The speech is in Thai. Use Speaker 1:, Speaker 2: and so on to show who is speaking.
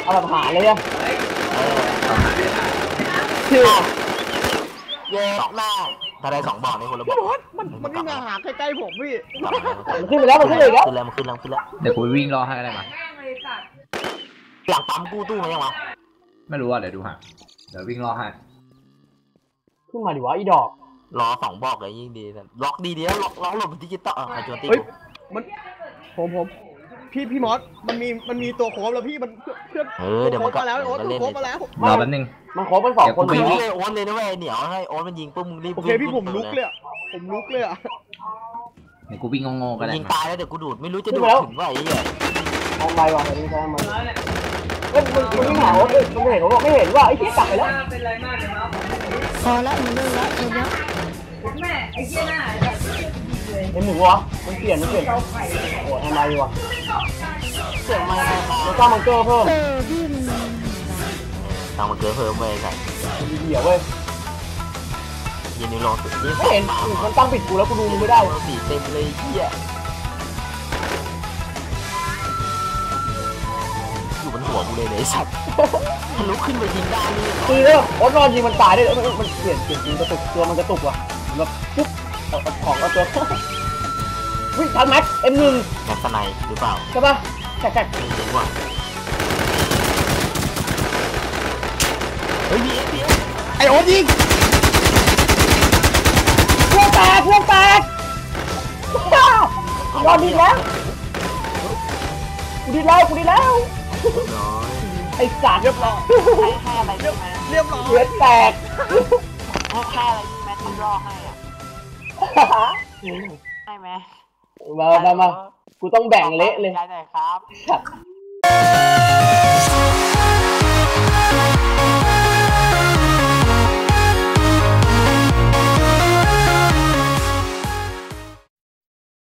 Speaker 1: เอาแบบหาเลยอะ
Speaker 2: ชื่อเย่มากถ้าได้2 บอกนี่คนละบ
Speaker 1: พี่
Speaker 2: อก
Speaker 1: บอสมันนี่มาหาใกล้ๆผมพี่
Speaker 2: มันขึ้นไปแล้วมันขึ้นเลยแล้วขึ้นแล้ว
Speaker 3: เดี๋ยวกูวิ่งรอให้ได้มา
Speaker 2: หลังปั๊มกู้ตู้มายังวะ
Speaker 3: ไม่รู้ว่าเดี๋ยวดูฮะเดี๋ยววิ่งรอให้
Speaker 1: ขึ้นมาดิวะอีดอก
Speaker 2: รอ2 บอกเลยยิ่งดีล็อกดีเดียวล็อกหลบดิจิตอลใครชวนตี
Speaker 1: มันผมพี่มอสมันมีตัวโค้งแล้วพี่มันเพื่อน
Speaker 2: เดี๋ยวมันก็
Speaker 1: มาแล้วโอ๊ตโค้งมาแล้ว
Speaker 3: รอแป๊บนึง
Speaker 1: มันโค้งเป็น2 คน
Speaker 2: ไม่เลยโอ๊ตเลยนะเว้ยเหนียวให้โอ๊ตมันยิงปุ๊บมึงรีบ
Speaker 1: โอเคพี่ผมลุกเลยอะ
Speaker 3: เดี๋ยวกูวิ่งงงๆกัน
Speaker 2: ยิงตายแล้วเดี๋ยวกูดูดไม่รู้จะดูดถึงว่าไอ้เหี้ย
Speaker 1: เอาไปวะนี่ใช่ไหมมันไม่หาโอ๊ตมันไม่เห็นโอ๊ตไม่เห็นว่าไอ้ที่กลับไปแล้ว
Speaker 4: พอแล้วมึงเลิกแล้วเดี๋ยว
Speaker 1: แม่ไอ้เหี้ยหน้าเป็นหนึ่งวะมันเปลี่ยนโอ้ทำไมวะ
Speaker 2: เสียงมา
Speaker 1: มันสร้างมังเกอร์เพิ่ม
Speaker 4: พี่มึง
Speaker 2: ทางมันเกิดเพิ่มไปใส่
Speaker 1: เดี๋ยวเว้ย
Speaker 2: ยินดีลองสุดนี่
Speaker 1: ไม่เห็นมันตั้งปิดกูแล้วกูดูมึงไม่ได้
Speaker 2: สีเต็มเลยเหี้ยอยู่บนหัวกูเลยไอ้สัตว์ทะลุขึ้นไปยิงได้นี่
Speaker 1: คือแล้วโอ๊ตนอนยิงมันตายได้มันเปลี่ยนจริงกระตุกตัวมันกระตุกว่ะแบบปุ๊บของเอาตัววิ่งทันแม็กM1
Speaker 2: แม็กซ์ไนหรือเปล่า
Speaker 1: ใช่ป่ะแท็ก
Speaker 2: ไม่รู้ว่าเฮ้ยมี
Speaker 1: ไอโอ๊ตยิงพวกแตกนอนดีแล้วกูดีแล้วไอสัตว์เรียบร้อย
Speaker 2: ให้อะไรได้ไหม
Speaker 1: เรียบร้อยเลือดแตก
Speaker 2: ให้อะไรนี่แม่ทำรอให้อ่ะให้ไหม
Speaker 1: มากูต้องแบ่งเละเลย
Speaker 2: ได้ครับ